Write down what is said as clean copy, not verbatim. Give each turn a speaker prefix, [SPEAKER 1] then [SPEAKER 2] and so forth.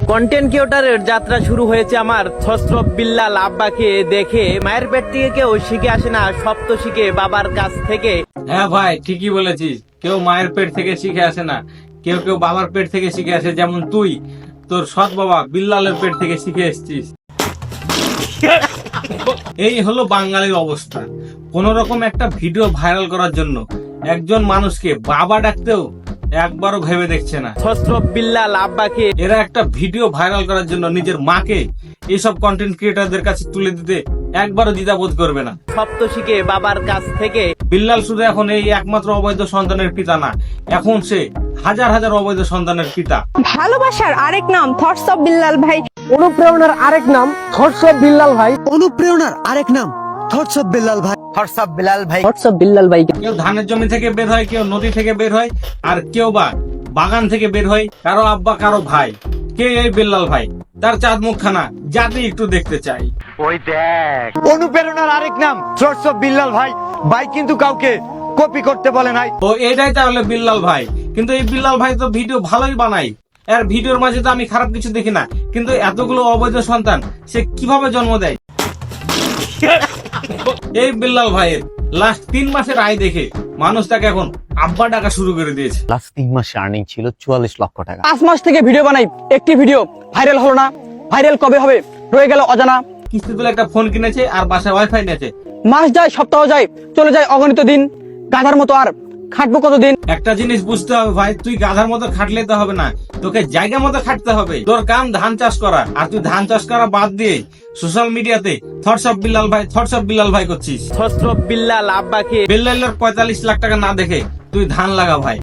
[SPEAKER 1] Content ক্রিয়েটরের যাত্রা শুরু হয়েছে আমার ছত্রপ বিল্লাল আব্বাকে দেখে। মায়ের পেট থেকে কেউ শিখে আসে না, সব তো শিখে বাবার কাছ থেকে।
[SPEAKER 2] হ্যাঁ ভাই, ঠিকই বলেছিস। কেউ মায়ের পেট থেকে শিখে আসে না, কেউ কেউ বাবার পেট থেকে শিখে আসে। যেমন তুই তোর সৎ বাবা বিল্লালের পেট থেকে শিখে এসেছিস। এই হলো বাঙালির অবস্থা। কোন রকম একটা ভিডিও ভাইরাল করার জন্য একজন মানুষকে বাবা ডাকতেও একবারও ভেবে দেখছে না।
[SPEAKER 1] ছত্রপ বিল্লাল আব্বাকে
[SPEAKER 2] এরা একটা ভিডিও ভাইরাল করার জন্য নিজের মাকে এইসব কন্টেন্ট ক্রিয়েটরদের কাছে তুলে দিতে একবারও দ্বিধাবোধ করবে না।
[SPEAKER 1] সব তো শিখে বাবার কাছ থেকে।
[SPEAKER 2] বিল্লাল শুধু এখন এই একমাত্র অবৈধ সন্তানের পিতা না, এখন সে হাজার হাজার অবৈধ সন্তানের পিতা।
[SPEAKER 3] ভালোবাসার আরেক নাম থটস অফ বিল্লাল ভাই।
[SPEAKER 4] অনুপ্রেরণার আরেক নাম থটস অফ বিল্লাল ভাই।
[SPEAKER 5] অনুপ্রেরণার আরেক নাম থটস অফ বিল্লাল ভাই।
[SPEAKER 4] থটস অফ বিল্লাল ভাই।
[SPEAKER 3] থটস অফ বিল্লাল ভাই।
[SPEAKER 2] কেউ ধানের জমি থেকে বের হয়, কেউ নদী থেকে বের হয়, আর কেউ বা বাগান থেকে বের হয়। কারো আব্বা কারো ভাই। কে এই বিল্লাল ভাই? তার চাঁদ মুখখানা যাতে একটু দেখতে চাই।
[SPEAKER 4] অনুপ্রেরণার আরেক নাম থটস অফ বিল্লাল ভাই। ভাই কিন্তু কাউকে কপি করতে বলে নাই।
[SPEAKER 2] তো এটাই তাহলে বিল্লাল ভাই। কিন্তু এই বিল্লাল ভাই তো ভিডিও ভালোই বানায়, এর ভিডিওর মাঝে তো আমি খারাপ কিছু দেখি না। কিন্তু এতগুলো অবৈধ সন্তান সে কিভাবে জন্ম দেয়? এই বিল্লাল ভাইয়ের লাস্ট 3 মাসের আয় দেখে মানুষ তাকে এখন আব্বা ডাকা শুরু করে দিয়েছে।
[SPEAKER 5] লাস্ট 3 মাসে আর্নিং ছিল 44 লক্ষ টাকা।
[SPEAKER 3] 5 মাস থেকে ভিডিও বানাই, একটি ভিডিও ভাইরাল হলো না। ভাইরাল কবে হবে রয়ে গেল অজানা।
[SPEAKER 2] কিস্তি তুলে একটা ফোন কিনেছে আর বাসায় ওয়াইফাই নিয়েছে।
[SPEAKER 3] মাস যায়, সপ্তাহ যায়, চলে যায় অগণিত দিন। গাধার মতো আর খাটবো কতদিন?
[SPEAKER 2] একটা জিনিস বুঝতে হবে ভাই, তুই গাধার মতো খাটলে তো হবে না, তোকে জায়গা মতো খাটতে হবে। তোর কাম ধান চাষ করা, আর তুই ধান চাষ করা বাদ দিয়ে সোশ্যাল মিডিয়াতে থটস অফ বিল্লাল ভাই, থটস অফ বিল্লাল ভাই করছিস।
[SPEAKER 1] ছত্রপ বিল্লাল আব্বাকে
[SPEAKER 2] বিল্লালের 45 লাখ টাকা না দেখে তুই ধান লাগা ভাই।